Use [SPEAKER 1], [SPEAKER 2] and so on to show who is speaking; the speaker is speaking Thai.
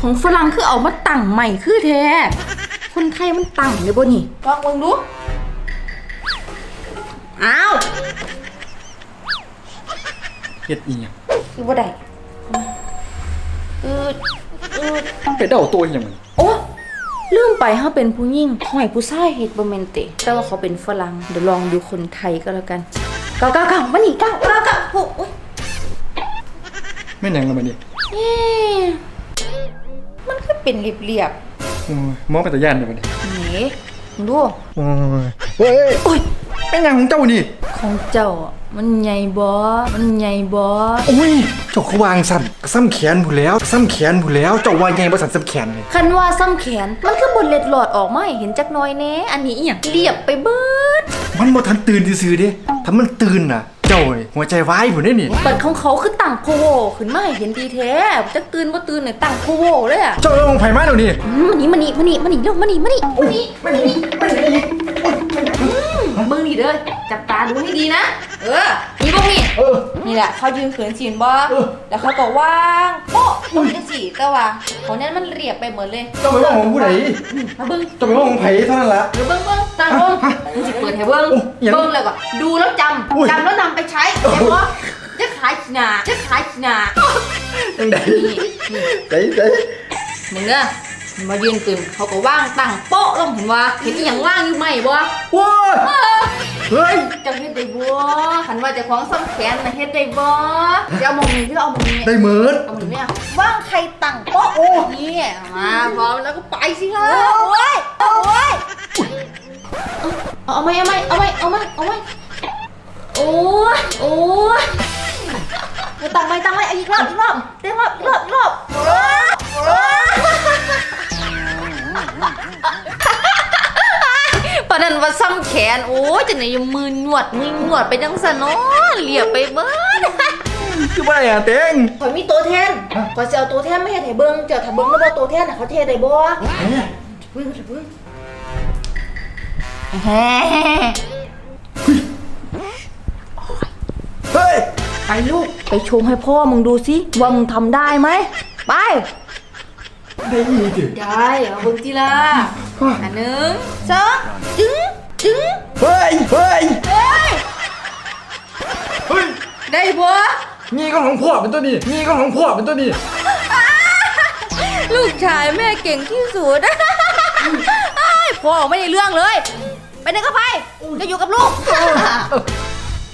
[SPEAKER 1] ของฝรั่งคือเอามาตั้งใหม่คือแท้คนไทยมันตั้งเลยบ่นี่ลองเบิ่งดูอ้าว
[SPEAKER 2] เฮ็ดอีหยัง
[SPEAKER 1] คือบ่ได้
[SPEAKER 2] ไปเดาตัวอีหยังมัน
[SPEAKER 1] โอ้ลืมไปเฮาเป็นผู้หญิงห้อยผู้ชายเฮ็ดบ่แม่นติแต่ว่าเขาเป็นฝรั่งเดี๋ยวลองดูคนไทยก็แล้วกัน999มานี่999โอ้ย
[SPEAKER 2] แม่นหยังละมันนี่
[SPEAKER 1] มันคือเป็นเรียบ
[SPEAKER 2] โอ้ยมองไปแต่ย่านเด้บัดนี้
[SPEAKER 1] ๆนี่ดู
[SPEAKER 2] โอ้ยเฮ้ยโอ้ยเป็นหยังของเจ้านี่
[SPEAKER 1] ของเจ้ามันใหญ่บ่มันใหญ่บ่
[SPEAKER 2] โอ้ยเจ้าเขาวางสั่นซ้ำแขนผู้แล้วซ้ำแขนผู้แล้วเจ้าว่าไงบ่สั่นซ้ำแขนนี่
[SPEAKER 1] คันว่าซ้ำแขนมันคือบนเล็ดหลอดออกมาให้เห็นจักหน่อยแน่อันนี้อีหยังเรียบไปเบิด
[SPEAKER 2] มันบ่ทันตื่นซื่อๆเด้ถ้ามันตื่นน่ะเจ้านี่หัวใจวายพุ่นเด้นี่
[SPEAKER 1] ปัดของเขาคือตั้งโพโวขึ้นมาให้เห็นดีแท้จักตื่นบ่ตื่นเนี่ยตั้งโพโวเลยอ่ะ
[SPEAKER 2] เจ้าลงไผมาเดี๋ยวนี้
[SPEAKER 1] มานี่เร็วมานี่
[SPEAKER 2] มันนี่
[SPEAKER 1] มึงนี่เด้อจับตาดูให้ดีนะนี่พวกนี่นี่แหละเขายืนเขินจีนบ่แล้วเขาก็ว่างโป๊ะจังซี่แต่ว่าเขาเนี่ยมันเรียบไปหมดเลย
[SPEAKER 2] เจ้าไปว่าของผู้ใด
[SPEAKER 1] มาเบิ่ง
[SPEAKER 2] เจ้าไปว่าของไผเท่านั้นล่ะ
[SPEAKER 1] เบิ่งตั้งลงมึงสิเปิดให้เบิ่งแล้วก็ดูแล้วจำแล้วนำไปใช้เดี๋ยวบ่จะขายขี้หน้า
[SPEAKER 2] จังได๋
[SPEAKER 1] มึงเด้อมายืนขึ้นเขาก็ว่างตั้งโป๊ะลงเห็นว่าเห็นอีหยังว่างอยู่ไหมบ่
[SPEAKER 2] ว้าเฮ้ย
[SPEAKER 1] จะเฮ็ดได้บ่คันว่าจะคล้องซ้ำแขนน่ะเฮ็ดได้บ่จะเอาหม่องนี้ที่เราเอาหม่องนี้
[SPEAKER 2] ได้เหมือน
[SPEAKER 1] เอาหม่องนี้ว่างใครตั้งโป๊ะนี่มาพร้อมแล้วก็ไปสิฮะโอ้ยเอาไหมโอ้ยตั้งไหมอีกรอบปะนั้นว่าซ้ำแขนโอ้ยจะไหนยังมือหนวดไปจังซั่นเนาะเรียบไปเบิด
[SPEAKER 2] คือบ่ได้อ่ะเต็ง
[SPEAKER 1] ข่อยมีตัวแทนข่อยสิเอาตัวแทนมาเฮ็ดให้เบิ่งเจ้าถ้าเบิ่งแล้วบ่ตัวแทนน่ะเขาเทได้บ่เบิ่ง
[SPEAKER 2] เฮ้ย
[SPEAKER 1] ไปลูกไปโชว์ให้พ่อมึงดูสิว่ามึงทำได้ไหมไป
[SPEAKER 2] ได้อีก
[SPEAKER 1] ได้เอาเบิ่งทีละอัน1 2จึ๊ง
[SPEAKER 2] เฮ้ย
[SPEAKER 1] ได้บ่
[SPEAKER 2] นี่ก็ของพ่อเป็นตัวนี้
[SPEAKER 1] ลูกชายแม่เก่งที่สุดพ่อไม่ได้เรื่องเลยไปไหนก็ไปจะอยู่กับลูก